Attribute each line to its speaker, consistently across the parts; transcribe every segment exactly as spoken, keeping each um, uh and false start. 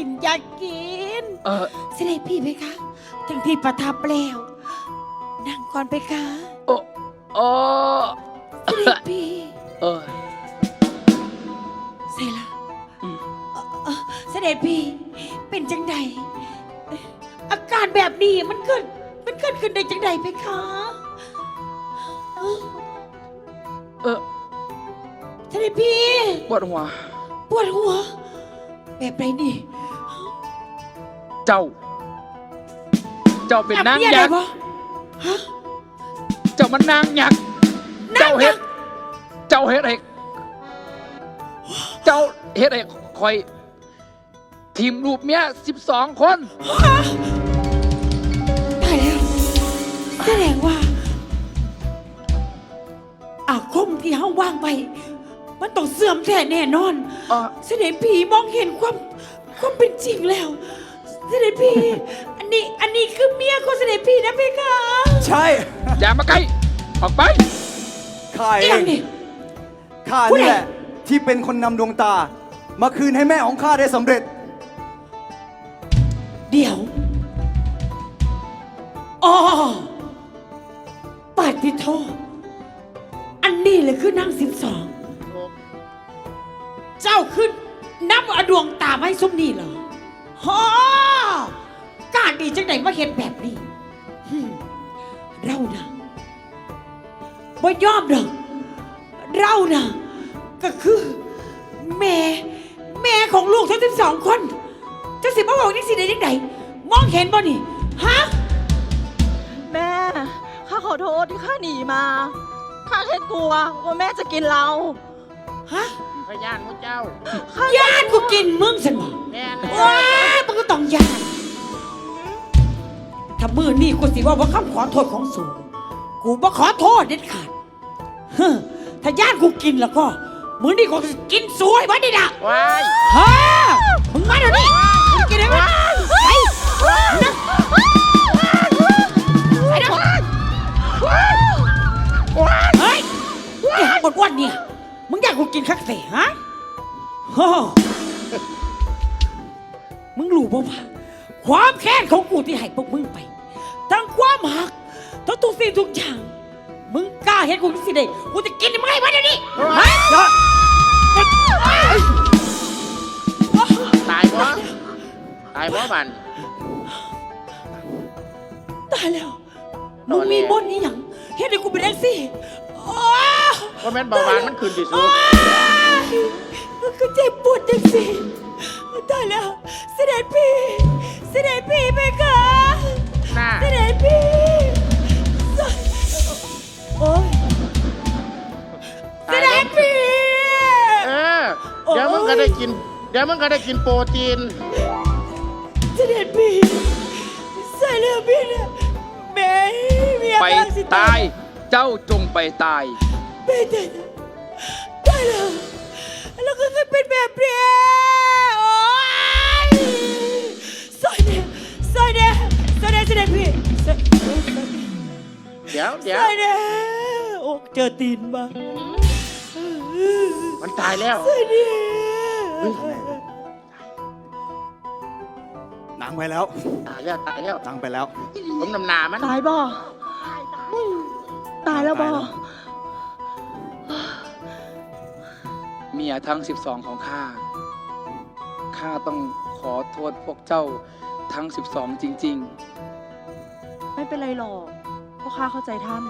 Speaker 1: นอยากกิน
Speaker 2: เออ
Speaker 1: เสด็จพี่เพคะทั้งที่ประทับแล้วนั่งก่อนเพคะ
Speaker 2: โอ้โอ้
Speaker 1: เสด็จพี่
Speaker 2: เออ
Speaker 1: ใส่ละ
Speaker 2: อืม
Speaker 1: เอ่อเอ่อเสด็จพี่เป็นจังใดอาการแบบนี้มันเกิดมันเกิดขึ้นได้จังใดเพคะเอ้า
Speaker 2: เออ
Speaker 1: เสด็จพี่
Speaker 2: ปวดหัว
Speaker 1: ปวดหัว แบบไรนี่
Speaker 2: เจ้า เจ้าเป็นนาง
Speaker 1: จับเมีย
Speaker 2: ยั
Speaker 1: ได้
Speaker 2: กษ์
Speaker 1: ปะฮะ
Speaker 2: เจ้ามันนางยักษ์
Speaker 1: นาง
Speaker 2: เจ้าเฮ็
Speaker 1: ยั
Speaker 2: ด
Speaker 1: กษ์
Speaker 2: เจ้าเฮ็ดเอกเจ้าเฮ็ดเอกคอย ทีมรูปเมียสิบสองคน
Speaker 1: ตายแล้วแสดงว่าอาคมที่เฮาว่างไป มันต้องเสื่อมแท้แน่นอน
Speaker 2: อ่ะ
Speaker 1: เสด็จพี่มองเห็นความความเป็นจริงแล้ว เสด็จพี่ อันนี้อันนี้คือเมียของเสด็จพี่นะเพคะ
Speaker 3: ใช่
Speaker 2: อย่ามาใกล้ออกไป
Speaker 3: ข้าเอ
Speaker 1: เอียง
Speaker 3: ง
Speaker 1: นี่
Speaker 3: ข้า
Speaker 1: ผู้ใด
Speaker 3: นี่แหละที่เป็นคนนำดวงตา มาคืนให้แม่ของข้าได้สำเร็จ
Speaker 1: เดี๋ยวอ๋อปาฏิโทษอันนี้เลยคือนางสิบสองเจ้าขึ้นนับเอาดวงตาไว้ซุ้มนี่เหรอฮอการดีจังไหนมาเห็นแบบนี้หึ่มเรานะบ่ยอมหรอกเรานะก็คือแม่แม่ของลูกทั้งสิบสองคนเจ้าสิมาบอกนี่สิได้ยังไงมองเห็นบ่นี่ฮะ
Speaker 4: แม่ ข้าขอโทษที่ข้าหนีมา ข้าแค่กลัวว่าแม่จะกินเรา
Speaker 1: ฮะ
Speaker 5: พยานมุเจ้า
Speaker 4: ข้า
Speaker 1: ญาติกูกินมึงสิบ่
Speaker 5: แม่น
Speaker 1: ว้ามึงก็ต้องญาติถ้ามือนี่กูสิว่าว่าคำขอโทษของสูงกูบ่ขอโทษเด็ดขาดเฮ้อถ้าญาติกูกินแล้วก็มือนี่กูจะกินสวยไว้ดินะ
Speaker 5: ว้าย
Speaker 1: ฮะมึงมาเดี๋ยวนี้มึงกินได้ไหมไปนะไปนะเฮ้ยไอ้หางบดอ้วนเนี่ยมึงอยากกูกินคักเสฮะโอ้มึงรู้ป่าวะความแค้นของกูที่ให้พวกมึงไปทั้งความหักทั้งทุกสิ่งทุกอย่างมึงกล้าเห็นกูสิเด้กูจะกินมึงให้มาเดี๋ยวนี้ฮะ
Speaker 5: ตายบ่ตายบ่บัน
Speaker 1: ตายแล้วมึงมีบนนี้หยังเฮ็ดให้กูเป็นแท็กซี่โอ้
Speaker 5: ก็แม่นเบาหวานมันขึ้นที่สุด
Speaker 1: มันก็เจ็บปวดจังสิตายแล้วเสด็จพี่เสด็จพี่ไปค่ะ
Speaker 5: หน้า
Speaker 1: เสด็จพี่โอ้ยเส
Speaker 5: ตาย
Speaker 1: ด็
Speaker 5: บ่
Speaker 1: จพี่
Speaker 5: เออ เดี๋ยวมึงก็ได้กิน เดี๋ยวมึงก็ได้กินโปรตีน
Speaker 1: เสด็จพี่ใส่เลือดพี่เนี่ยแม่เมีย
Speaker 2: ไป
Speaker 1: กำลังสิ
Speaker 2: ตาย เจ้าจงไปตาย
Speaker 1: ไปตายตายแล้วแล้วก็เคยเป็นแบบเนี้ยโอ๊ยซอยเนี่ยซอยเนี่ยซอยเนี่ยเสด็จพี่ซอย
Speaker 5: เดี๋ยวเดี๋ยว
Speaker 1: ซอยเนี่ยโอ้เจอตีนมา
Speaker 5: มันตายแล้ว
Speaker 1: ซอยเนี่ย
Speaker 3: นางไปแล้ว
Speaker 5: ตายแล้วตายแล้ว
Speaker 3: นางไปแล้ว
Speaker 5: ผมนำหนามัน
Speaker 4: ตายบ่ตายแล้วบ่
Speaker 3: ตายแล้ว
Speaker 2: เมียทั้งสิบสองของข้า ข้าต้องขอโทษพวกเจ้าทั้งสิบสองจริง
Speaker 4: ไม่เป็นไรหรอกเพราะข้าเข้าใจท่าน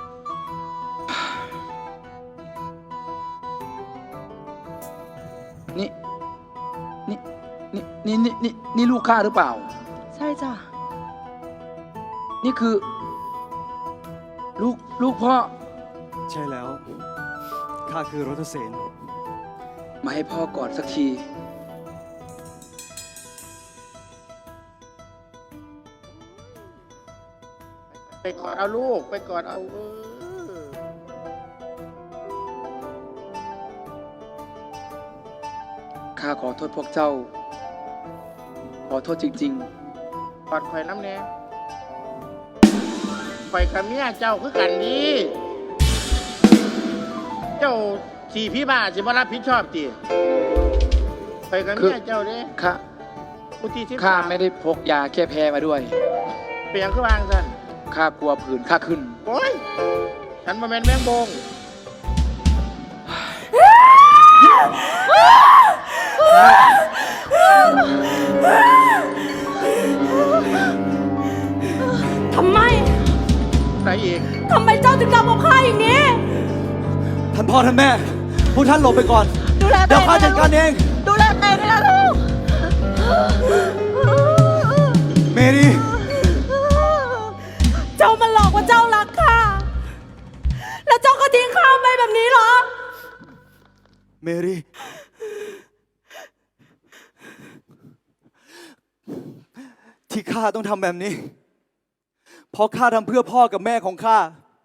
Speaker 2: ๆ นี่ นี่ นี่นี่นี่นี่นี่ลูกข้าหรือเปล่า
Speaker 4: ใช่จ้ะ
Speaker 2: นี่คือ ลูกลูกพ่อ
Speaker 3: ใช่แล้ว ข้าคือรถเสน
Speaker 2: มาให้พ่อกอดสักที
Speaker 5: ไปกอดเอาลูก ไปกอดเอาเออ
Speaker 2: ข้าขอโทษพวกเจ้า ขอโทษจริง
Speaker 5: กอดข่อยน้ำแน่ข่อยกับเมียเจ้าคือกันดีเจ้าสี่พี่บ้าสิมารับผิดชอบตีข่อยกับเมียเจ้าเด้
Speaker 2: ๆ ข้า
Speaker 5: กูที่ที่
Speaker 2: ข้าไม่ได้พกยาแก้แพ้มาด้วย
Speaker 5: เปลี่ยนขึ้นวางสัน
Speaker 2: ข้ากลัวผื่นข้าขึ้น
Speaker 5: โอ้ยฉันมาแมนแมงบง
Speaker 4: ทำไม
Speaker 5: ไหนอีก
Speaker 4: ทำไมเจ้าถึงทำกับข้าอย่างนี้
Speaker 3: ท่านพ่อท่านแม่ พวกท่านหลบไปก่อน
Speaker 4: ดูแล
Speaker 3: เดี๋ยวข้าจัดการเอง
Speaker 4: ดูแลตัวเองด้วยนะลูก
Speaker 3: เมรี
Speaker 4: เจ้ามันหลอกว่าเจ้ารักข้า แล้วเจ้าก็ทิ้งข้าไปแบบนี้เหรอ
Speaker 3: เมรีที่ข้าต้องทำแบบนี้ เพราะข้าทำเพื่อพ่อกับแม่ของข้า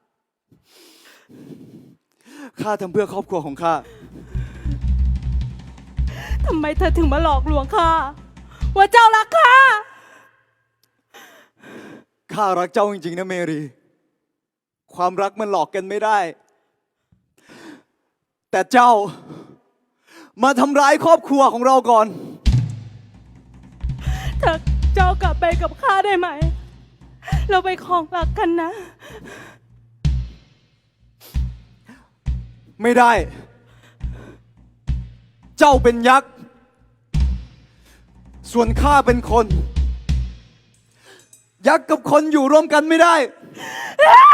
Speaker 3: ข้าทำเพื่อครอบครัวของข้า
Speaker 4: ทำไมเธอถึงมาหลอกลวงข้า ว่าเจ้ารักข้า
Speaker 3: ข้ารักเจ้าจริงๆนะเมรี ความรักมันหลอกกันไม่ได้ แต่เจ้ามาทำร้ายครอบครัวของเราก่อน
Speaker 4: เธอเจ้ากลับไปกับข้าได้ไหม เราไปครองรักกันนะ
Speaker 3: ไม่ได้ เจ้าเป็นยักษ์ ส่วนข้าเป็นคน ยักษ์กับคนอยู่ร่วมกันไม่ได้
Speaker 4: เอ้